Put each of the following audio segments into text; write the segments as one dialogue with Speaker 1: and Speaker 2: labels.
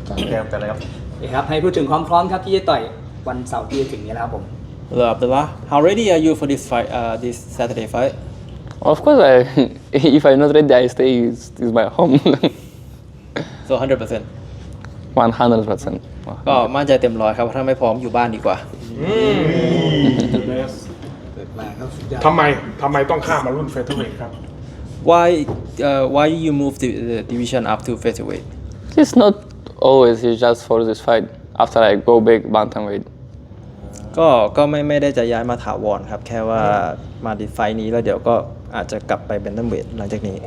Speaker 1: แกมกันเลยครับ
Speaker 2: ครับให้พูดถึงความพร้อมครับที่จะต่อยวันเสาร์ที่จะถึงนี้แล้วครับผม
Speaker 3: Hello Abdullah, how ready are you for this fight? This Saturday fight?
Speaker 4: Of course, if I'm not ready, I stay. It's my home.
Speaker 3: So 100%.
Speaker 4: 100%.
Speaker 3: ก็มั่นใจเต็มร้อยครับถ้าไม่พร้อมอยู่บ้านดีกว่า
Speaker 5: ทำไมต้องข้ามมารุ่นเฟเธอร์เวทครับ
Speaker 3: Why you move the division up to featherweight?
Speaker 4: It's not always. It's just for this fight. After I go back bantamweight.
Speaker 3: ก็ไม่ได้จะย้ายมาถาวรครับแค่ว่ามาดิไฟนี้แล้วเดี๋ยวก็อาจจะกลับไปเป็นตัมเวทหลังจากนี้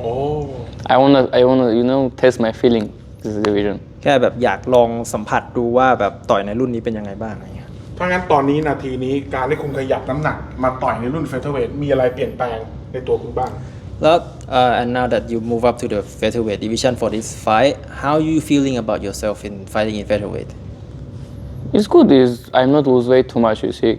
Speaker 4: I wanna test my feeling. This division.
Speaker 3: แค่แบบอยากลองสัมผัสดูว่าแบบต่อยในรุ่นนี้เป็นยังไงบ้างอะไรเงี้ย
Speaker 5: ถ้างั้นตอนนี้นาทีนี้การที่คุณขยับน้ำหนักมาต่อยในรุ่นเฟเธอร์เวทมีอะไรเปลี่ยนแปลงในตัวคุณบ้าง
Speaker 3: แล้ว and now that you move up to the featherweight division for this fight, how you feeling about yourself in fighting in featherweight?
Speaker 4: It's good. I'm not lose weight too much. You see,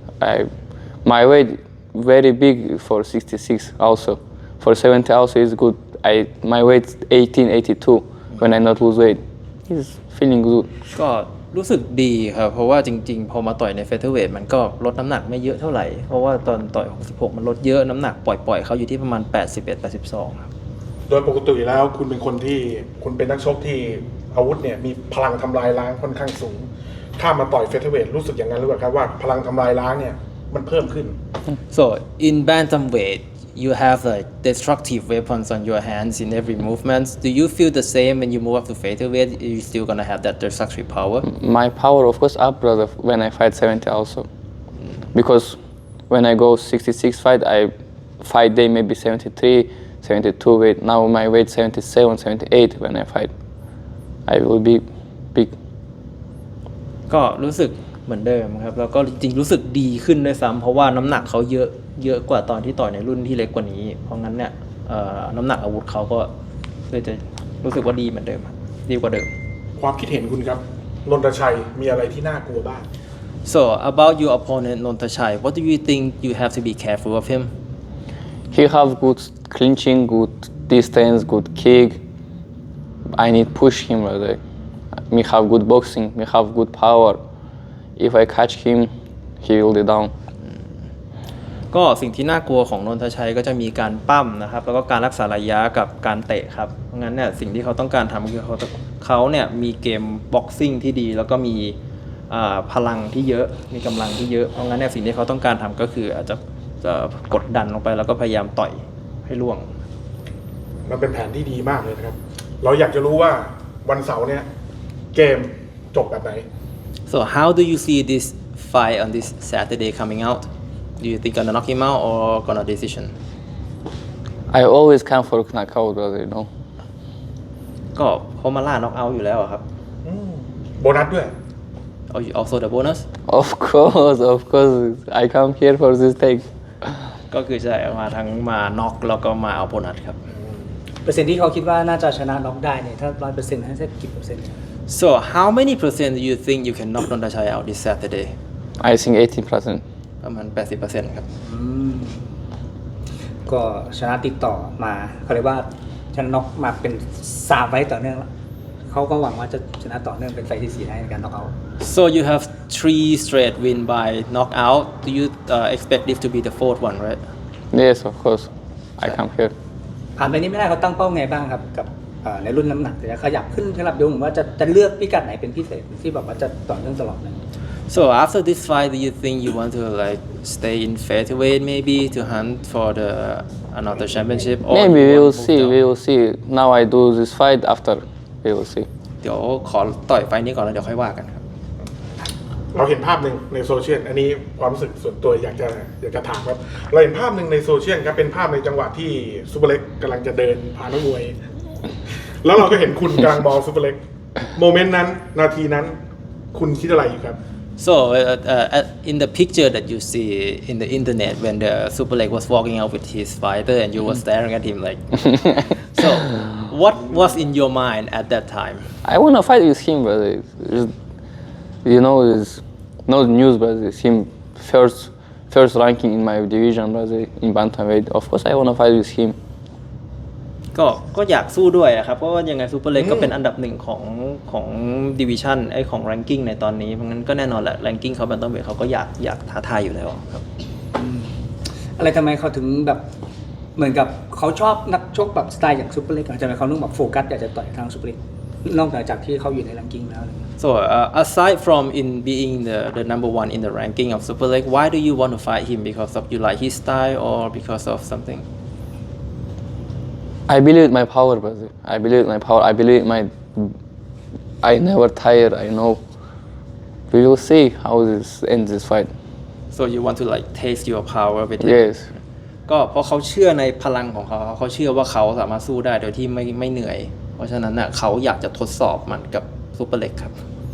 Speaker 4: my weight very big for 66 also. For 70 also is good. My weight 18, 82 when I not lose weight. It's feeling good.
Speaker 3: ก็รู้สึกดีครับเพราะว่าจริงๆพอมาต่อยในเฟเธอร์เวทมันก็ลดน้ำหนักไม่เยอะเท่าไหร่เพราะว่าตอนต่อย66มันลดเยอะน้ำหนักปล่อยเขาอยู่ที่ประมาณ81 82ครับ
Speaker 5: โดยปกติแล้วคุณเป็นคนที่คุณเป็นนักชกที่อาวุธเนี่ยมีพลังทำลายล้างค่อนข้างสูงข้ามมาต่อยเฟเธอร์เวทรู้สึกอย่างนั้นหรือเปล่าครับว่าพลังทำลายล้างเนี่ยมันเพิ่มขึ้น
Speaker 3: So in bantamweight you have like destructive weapons on your hands in every movement. Do you feel the same when you move up to featherweight? You still gonna have that destructive power?
Speaker 4: My power, of course, up, brother, when I fight 70 also. Because when I go 66 fight, I fight day maybe 73, 72 weight. Now my weight 77, 78 when I fight. I will be big.
Speaker 3: ก็รู้สึกเหมือนเดิมครับแล้วก็จริงๆรู้สึกดีขึ้นด้วยซ้ำเพราะว่าน้ำหนักเขาเยอะกว่าตอนที่ต่อยในรุ่นที่เล็กกว่านี้เพราะงั้นเนี่ยน้ำหนักอาวุธเขาก็เลยจะรู้สึกว่าดีเหมือนเดิมครับดีกว่าเดิม
Speaker 5: ความคิดเห็นคุณครับนนทชัยมีอะไรที่น่ากลัวบ้าง
Speaker 3: So about your opponent Nontachai, what do you think you have to be careful of him?
Speaker 4: He have good clinching, good distance, good kick. I need push him, brother. Me have good boxing, me have good power. If I catch him, he will be down.
Speaker 3: ก็สิ่งที่น่ากลัวของนนทชัยก็จะมีการปั้มนะครับแล้วก็การรักษาระยะกับการเตะครับเพราะงั้นเนี่ยสิ่งที่เขาต้องการทำคือเขาเนี่ยมีเกมบ็อกซิ่งที่ดีแล้วก็มีพลังที่เยอะมีกำลังที่เยอะเพราะงั้นเนี่ยสิ่งที่เขาต้องการทำก็คืออาจจะกดดันลงไปแล้วก็พยายามต่อยให้ล่วง
Speaker 5: มันเป็นแผนที่ดีมากเลยนะครับเราอยากจะรู้ว่าวันเสาร์เนี่ยเกมจบแบบไหน
Speaker 3: So how do you see this fight on this Saturday coming out? Do you think gonna knock him out or gonna decision?
Speaker 4: I always come for knockout, brother, you know.
Speaker 3: ก็เขามาล่าน็อกเอาท์อยู่แล้วอะครับ
Speaker 5: โบนัสด้วย
Speaker 3: Also the bonus
Speaker 4: Of course, I come here for this take.
Speaker 3: ก็คือจะมาทั้งมาน็อกแล้วก็มาเอาโบนัสครับ
Speaker 2: เปอร์เซ็นต์ที่เขาคิดว่าน่าจะชนะน็อกได้เนี่ยถ้า100%ให้สักกี่เปอร์เซ็นต์
Speaker 3: So how many percent do you think you can knock Nontachai out this Saturday?
Speaker 4: I think 18%.
Speaker 3: ประมาณ 80% ครับ
Speaker 2: ก็ชนะติดต่อมาเขาเรียกว่าชนะน็อกมาเป็น3ไฟต์ต่อเนื่องแล้วเขาก็หวังว่าจะชนะต่อเนื่องเป็นไฟต์ที่4ได้ในการน็อกเอาท์
Speaker 3: So you have 3 straight win by knockout. Do you expect this to be the fourth one, right?
Speaker 4: Yes, of course. I come here.
Speaker 2: ผ่านไปนี้ไม่ได้เขาตั้งเป้าไงบ้างครับกับในรุ่นน้ำหนักจะขยับขึ้นขยับลงหรือว่าจะเลือกพิกัดไหนเป็นพิเศษที่แบบว่าจะต่อเนื่องตลอดเลย
Speaker 3: So after this fight, do you think you want to like stay in featherweight maybe to hunt for the another championship? Or
Speaker 4: Maybe
Speaker 3: you
Speaker 4: we
Speaker 3: want
Speaker 4: will
Speaker 3: to move
Speaker 4: see.
Speaker 3: down?
Speaker 4: We will see. Now I do this fight. After we will see.
Speaker 3: เดี๋ยวขอต่อยไฟล์นี้ก่อนแล้วเดี๋ยวค่อยว่ากันครับ
Speaker 5: เราเห็นภาพหนึ่งในโซเชียลอันนี้ความรู้สึกส่วนตัวอยากจะถามครับเราเห็นภาพหนึ่งในโซเชียลครับเป็นภาพในจังหวะที่ซูเปอร์เล็กกำลังจะเดินผ่านนักมวย แล้วเราก็เห็นคุณกำลังมองซูเปอร์เล็กโมเมนต์นั้นนาทีนั้นคุณคิดอะไรอยู่ครับ
Speaker 3: So in the picture that you see in the internet when the Super Leg was walking out with his fighter and you were staring at him like so what was in your mind at that time?
Speaker 4: I wanna fight with him, brother. You know, it's no news, brother. It's him first ranking in my division, brother, in bantamweight. Of course, I wanna fight with him.
Speaker 3: ก็อยากสู้ด้วยอะครับเพราะว่ายังไงซูเปอร์เล็กก็เป็นอันดับหนึ่งของดิวิชั่นของแรงกิ้งในตอนนี้เพราะงั้นก็แน่นอนแหละแรงกิ้งเขาแบนตัมเวทเขาก็อยากท้าทายอยู่แล้วครับ
Speaker 2: อะไรทำไมเขาถึงแบบเหมือนกับเขาชอบนักชกแบบสไตล์อย่างซูเปอร์เล็กทำไมเขาต้องแบบโฟกัสอยากจะต่อยทางซูเปอร์เล็กนอกจากที่เขาอยู่ในแรงกิ้งแล้ว
Speaker 3: So aside from in being the number one in the ranking of Super League, why do you want to fight him? Because of you like his style or because of something?
Speaker 4: I believe my power, brother. I believe my power. I believe my. I never tired. I know. We will see how this ends this fight.
Speaker 3: So you want to like taste your power with him?
Speaker 4: Yes.
Speaker 3: ก็เพราะเขาเชื่อในพลังของเขาเขาเชื่อว่าเขาสามารถสู้ได้โดยที่ไม่เหนื่อย เพราะฉะนั้นน่ะเขาอยากจะทดสอบมันกับซูเปอร์เล็กครับ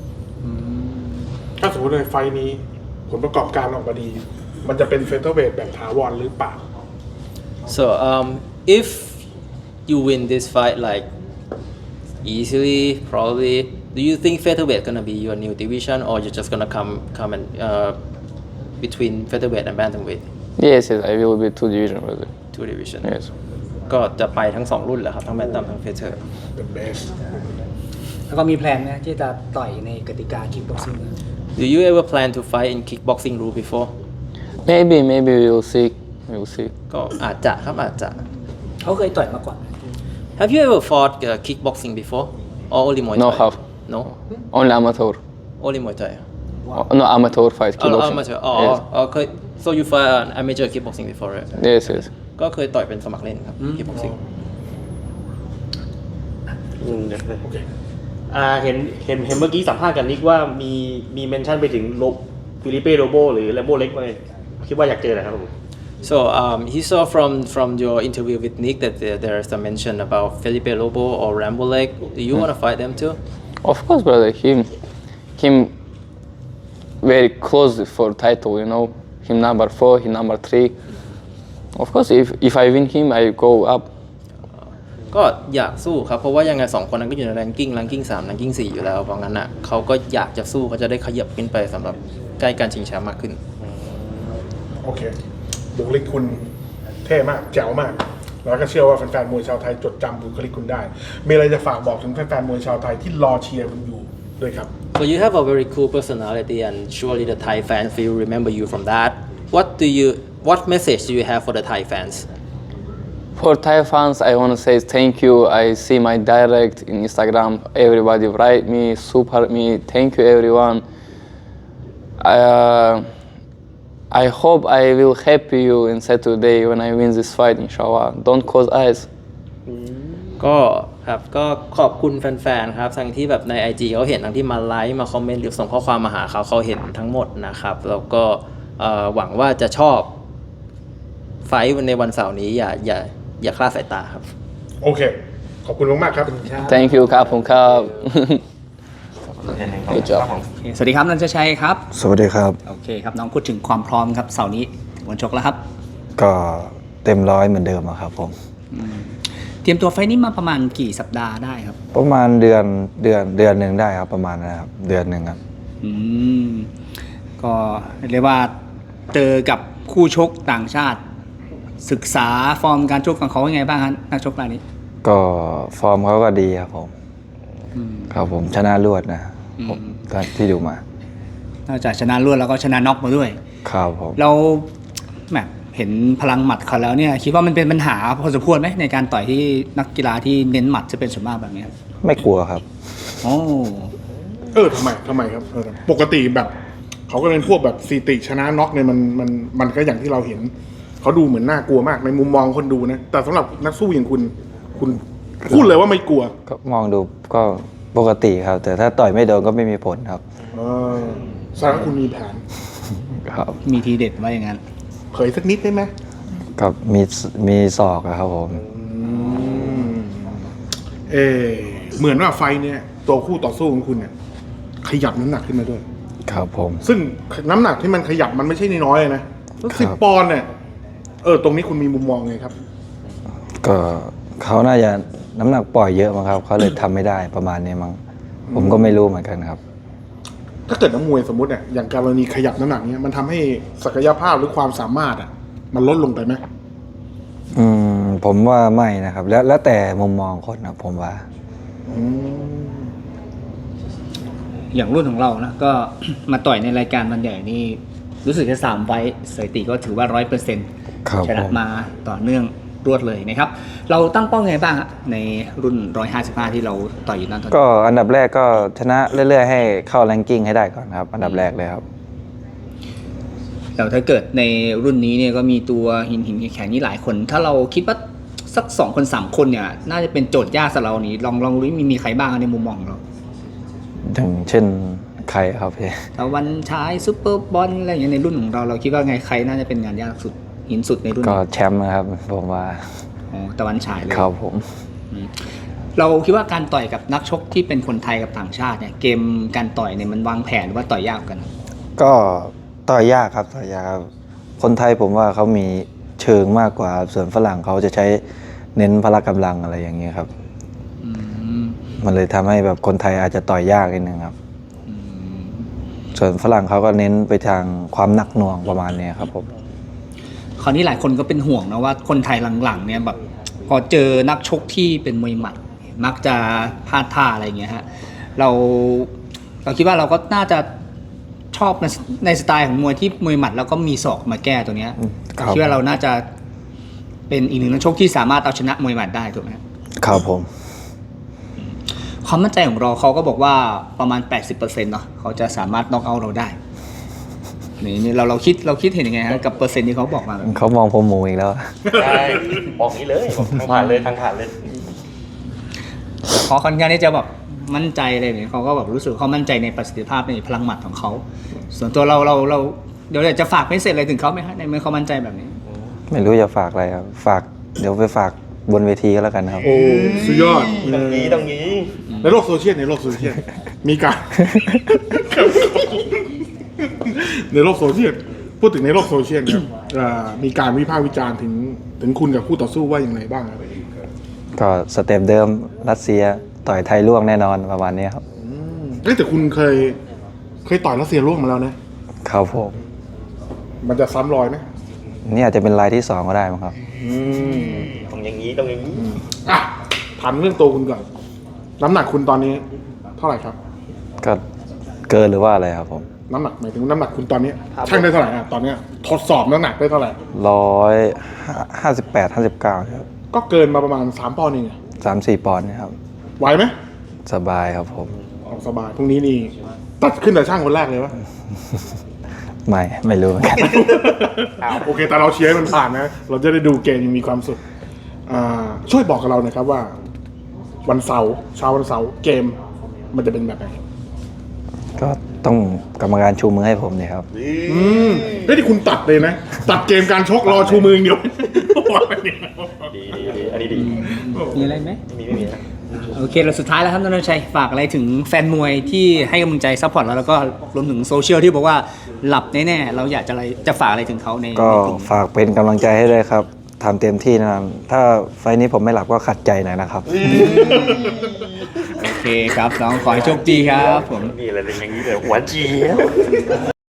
Speaker 5: ถ้าสมมติในไฟล์นี้ผลประกอบการออกมาดี มันจะเป็นเฟเธอร์เวทแบบถาวรหรือเปล่า
Speaker 3: So if you win this fight like easily, probably, do you think featherweight gonna be your new division, or you're just gonna come and between featherweight and bantamweight?
Speaker 4: Yes, yes. I will be 2 division, brother.
Speaker 3: Two division.
Speaker 4: Yes.
Speaker 3: ก็จะไปทั้ง2รุ่นแหละครับทั้งแบนตัมทั้งเฟเธอร์
Speaker 5: The best
Speaker 2: แล้วก็มีแพลนไหมที่จะต่อยในกติกาคิกบ็อกซิ่ง
Speaker 3: Do you ever plan to fight in kickboxing rule before?
Speaker 4: Maybe we will see. We will see.
Speaker 3: ก็อาจจะครับอาจจะ
Speaker 2: เขาเคยต่อยมาก่อน
Speaker 3: Have you ever fought kickboxing before or only Muay Thai?
Speaker 4: No, have.
Speaker 3: No,
Speaker 4: Only amateur.
Speaker 3: only Muay Thai.
Speaker 4: No amateur fight. Kickboxing.
Speaker 3: Amateur.
Speaker 4: Yes.
Speaker 3: เคย so you fight amateur kickboxing before, right?
Speaker 4: Yes, yes.
Speaker 3: ก็เคยต่อยเป็นสมัครเล่นครับ kickboxing
Speaker 5: โอเค
Speaker 1: เห็นเมื่อกี้สัมภาษณ์กันนิกว่ามีเมนชั่นไปถึงฟิลิเป้โรโบหรือแลมโบเล็กมาคิดว่าอยากเจออะไรครับผม
Speaker 3: So he saw from your interview with Nick that there is a mention about Felipe Lobo or Rambo Leg. Do you want to fight them too?
Speaker 4: Of course, brother. Him very close for title. You know, him number 4, him number 3. Of course, if I win him, I go up.
Speaker 3: ก็อยากสู้ครับเพราะว่ายังไง2คนนั้นก็อยู่ในแรงกิ้ง3แรงกิ้ง4อยู่แล้วเพราะงั้นอ่ะเขาก็อยากจะสู้เขาจะได้ขยับขึ้นไปสำหรับใกล้การชิงแชมป์มากขึ้น
Speaker 5: โอเคบุคลิกคุณเท่มากแจ๋วมาก แล้วก็เชื่อว่าแฟนๆมวยชาวไทยจดจำบุคลิกคุณได้ มีอะไรจะฝากบอกถึงแฟนๆมวยชาวไทยที่รอเชียร์คุณอยู่ด้วยครับ
Speaker 3: So you have a very cool personality and surely the Thai fans will remember you from that. What message do you have for the Thai fans?
Speaker 4: For Thai fans, I want to say thank you. I see my direct in Instagram. Everybody write me, support me. Thank you, everyone. I hope I will happy you in Saturday when I win this fight, inshallah. Don't close eyes.
Speaker 3: ก็ครับก็ขอบคุณแฟนๆครับทั้งที่แบบใน IG เขาเห็นทั้งที่มาไลค์มาคอมเมนต์หรือส่งข้อความมาหาเขาเห็นทั้งหมดนะครับแล้วก็หวังว่าจะชอบไฟท์ในวันเสาร์นี้อย่าคลาดสายตาครับ
Speaker 5: โอเค ขอบคุณมากๆครับ
Speaker 4: Thank you, Kap. Good job.
Speaker 2: สวัสดีครับนันทชัยครับ
Speaker 6: สวัสดีครับ
Speaker 2: โอเคครับน้องพูดถึงความพร้อมครับเสาร์นี้ถึงวันชกแล้วครับ
Speaker 6: ก็เต็มร้อยเหมือนเดิมอะครับผม
Speaker 2: เตรียมตัวไฟล์นี้มาประมาณกี่สัปดาห์ได้ครับ
Speaker 6: ประมาณเดือนหนึ่งได้ครับประมาณนะครับเดือนหนึ่งครับ
Speaker 2: ก็เรียกว่าเจอกับคู่ชกต่างชาติ ศึกษาฟอร์มการชกของเขายังไงบ้างครับนักชกรายนี้
Speaker 6: ก็ฟอร์มเขาก็ดีครับผมครับผมชนะรวดนะผมที่ดูมาน
Speaker 2: อกจากชนะรวดแล้วก็ชนะน็อกมาด้วย
Speaker 6: ครับผม
Speaker 2: เราแบบเห็นพลังหมัดเขาแล้วเนี่ยคิดว่ามันเป็นปัญหาพอสมควรไหมในการต่อยที่นักกีฬาที่เน้นหมัดจะเป็นส่วนมากแบบนี้ครับ
Speaker 6: ไม่กลัวครับ
Speaker 2: โอ้
Speaker 5: ทำไมครับปกติแบบเขาก็เป็นพวกแบบสถิติชนะน็อกเนี่ยมันก็อย่างที่เราเห็นเขาดูเหมือนน่ากลัวมากในมุมมองคนดูนะแต่สำหรับนักสู้อย่างคุณพูดเลยว่าไม่กลัว
Speaker 6: ก็มองดูก็ปกติครับ แต่ถ้าต่อยไม่โดนก็ไม่มีผลครับ
Speaker 5: แสดงว่าคุณมีแผน
Speaker 6: ครับ
Speaker 2: มีทีเด็ดว่าอย่างนั้น
Speaker 5: เผยสักนิดได้ไหม
Speaker 6: กับมีศอกอะครับผม
Speaker 5: เหมือนว่าไฟเนี่ยตัวคู่ต่อสู้ของคุณเนี่ยขยับน้ำหนักขึ้นมาด้วย
Speaker 6: ครับผม
Speaker 5: ซึ่งน้ำหนักที่มันขยับมันไม่ใช่น้อยๆเลยนะ10 ปอนด์เนี่ยตรงนี้คุณมีมุมมองไงครับ
Speaker 6: ก็เขาน่าจะน้ำหนักปล่อยเยอะมั้งครับเขาเลยทำไม่ได้ประมาณนี้มั้งผมก็ไม่รู้เหมือนกันครับ
Speaker 5: ถ้าเกิดนักมวยสมมติเนี่ยอย่างกรณีขยับน้ำหนักเนี่ยมันทำให้ศักยภาพหรือความสามารถมันลดลงไปไหม
Speaker 6: ผมว่าไม่นะครับ แล้วแต่มุมมองคนนะผมว่า
Speaker 2: อย่างรุ่นของเรานะก็ มาต่อยในรายการมันใหญ่นี่รู้สึกจะ3 ไฟต์สถิติก็ถือว่า 100%
Speaker 6: ครับ
Speaker 2: ชนะมาต่อเนื่องรวดเลยนะครับ เราตั้งเป้าไงบ้างฮะในรุ่น 155 ที่เราต่อยอยู่นั้นตอนนี้
Speaker 6: ก็อันดับแรกก็ชนะเรื่อยๆ ให้เข้าแรงกิ้งให้ได้ก่อนครับ อันดับแรกเลยครับ
Speaker 2: แต่ถ้าเกิดในรุ่นนี้เนี่ยก็มีตัวหินแข็งนี่หลายคน ถ้าเราคิดว่าสัก2 คน 3 คนเนี่ยน่าจะเป็นโจทย์ยากสำหรับเรานี้ลองดูมีใครบ้างในมุมมองของเรา
Speaker 6: อย่างเช่นใครครับพี่
Speaker 2: ตะวันฉายซุปเปอร์บอลอะไรอย่างเงี้ยในรุ่นของเราคิดว่าไงใครน่าจะเป็นงานยากสุดหินสุดในรุ่น
Speaker 6: ก็
Speaker 2: นี้
Speaker 6: แชมป์นะครับผมว่า
Speaker 2: อ๋อตะวันฉายเลย
Speaker 6: ครับผม
Speaker 2: เราคิดว่าการต่อยกับนักชกที่เป็นคนไทยกับต่างชาติเนี่ยเกมการต่อยเนี่ยมันวางแผนหรือว่าต่อยยากกัน
Speaker 6: ก็ต่อยยากครับต่อยยากครับคนไทยผมว่าเขามีเชิงมากกว่าส่วนฝรั่งเขาจะใช้เน้นพละกำลังอะไรอย่างเงี้ยครับ
Speaker 2: อืม
Speaker 6: มันเลยทำให้แบบคนไทยอาจจะต่อยยากนิดนึงครับ ส่วนฝรั่งเขาก็เน้นไปทางความหนักหน่วงประมาณเนี้ยครับผม
Speaker 2: คราวนี้หลายคนก็เป็นห่วงนะว่าคนไทยหลังๆเนี่ยแบบพอเจอนักชกที่เป็นมวยหมัด มักจะพลาดท่าอะไรอย่างเงี้ยฮะเราคิดว่าเราก็น่าจะชอบในสไตล์ของมวยที่มวยหมัดแล้วก็มีศอกมาแก้ตัวเนี้ย
Speaker 6: ครับ
Speaker 2: คิดว่าเราน่าจะเป็นอีกหนึ่งนักชกที่สามารถเอาชนะมวยหมัดได้ถูกไหม
Speaker 6: ครับผม
Speaker 2: ความมั่นใจของเราเขาก็บอกว่าประมาณ 80%เนาะเขาจะสามารถน็อกเอาท์เราได้นี่เราคิดเห็นยังไงฮะกับเปอร์เซ็นต์ที่เขาบอกมา
Speaker 6: เขามองผมหมูอีกแล้ว
Speaker 1: ใช่บอกนี้เลยบอกทางผ่านเลยทางผ่านเลย
Speaker 2: เขาค่อนข้างที่จะแบบมั่นใจเลยเนี่ยเขาก็แบบรู้สึกเขามั่นใจในประสิทธิภาพในพลังหมัดของเขาส่วนตัวเราเดี๋ยวจะฝากไม่เสร็จอะไรถึงเขาไหมฮะในเมื่อเขามั่นใจแบบนี้
Speaker 6: ไม่รู้จะฝากอะไรครับเดี๋ยวไปฝากบนเวทีก็แล้วกันครับ
Speaker 5: โอ้สุดยอด
Speaker 1: ตรงนี้
Speaker 5: ในโลกโซเชียลมีการ ในโลกโซเชียลพูดถึงในโลกโซเชียลครับมีการวิพากษ์วิจารณ์ถึงคุณกับคู่ต่อสู้ว่าอย่างไรบ้างครับ
Speaker 6: ก็สเต็ปเดิมรัสเซียต่อยไทยล่วงแน่นอนประมาณนี้ครับ
Speaker 5: แต่คุณเคยต่อยรัสเซียร่วงมาแล้วนะครับ
Speaker 6: ผม
Speaker 5: มันจะซ้ำรอยไหม
Speaker 6: นี่อาจจะเป็นรายที่2ก็ได้มั้งครับ
Speaker 1: ต้องอย่างนี้
Speaker 5: อ่ะถามเรื่องตัวคุณก่อนน้ำหนักคุณตอนนี้เท่าไหร่ครับ
Speaker 6: ก็เกินหรือว่าอะไรครับผม
Speaker 5: น้ำหนักหมายถึงน้ำหนักคุณตอนนี้ช่างได้เท่าไหร่อ่ะตอนเนี้ยทดสอบน้ำหนักได้เท่าไหร่
Speaker 6: 158-59ครับ
Speaker 5: ก็เกินมาประมาณ3 ปอนด์เอง
Speaker 6: 3-4 ปอนด์นะครับ
Speaker 5: ไหวไหม
Speaker 6: สบายครับผม
Speaker 5: เอาสบายพรุ่งนี้นี่ตัดขึ้นแต่ช่างคนแรกเลยวะ
Speaker 6: ไม่รู้เหมือนกัน
Speaker 5: โอเคแต่เราเชียร์ให้มันผ่านนะ เราจะได้ดูเกมยังมีความสุขช่วยบอกกับเราหน่อยครับว่าวันเสาร์เช้าวันเสาร์เกมมันจะเป็นแบบไหน
Speaker 6: ก็ต้องกรรมการชูมือให้ผมเนี่ยครับ
Speaker 5: เฮ้ยที่คุณตัดเลยนะ ตัดเกมการชกรอชูมืออย่างเดียว
Speaker 1: ดีอันนี้ดี
Speaker 2: มีอะไรไหม
Speaker 1: ไม่มีนะ
Speaker 2: โอเคเราสุดท้ายแล้วครับนนทชัยฝากอะไรถึงแฟนมวยที่ให้กำลังใจซัพพอร์ตเราแล้วก็รวมถึงโซเชียลที่บอกว่าหลับแน่ๆเราอยากจะฝากอะไรถึงเขาใน
Speaker 6: ก็
Speaker 2: กลุ่ม
Speaker 6: ฝากเป็นกำลังใจให้ด้วยครับทำเต็มที่นะครับถ้าไฟล์นี้ผมไม่หลับก็ขัดใจหน่อยนะครับ
Speaker 2: โอเคครับน้องขอให้โชคดีครับผม
Speaker 1: นี่อะไรอย่างนี้เลยหวานเจี๊ยบ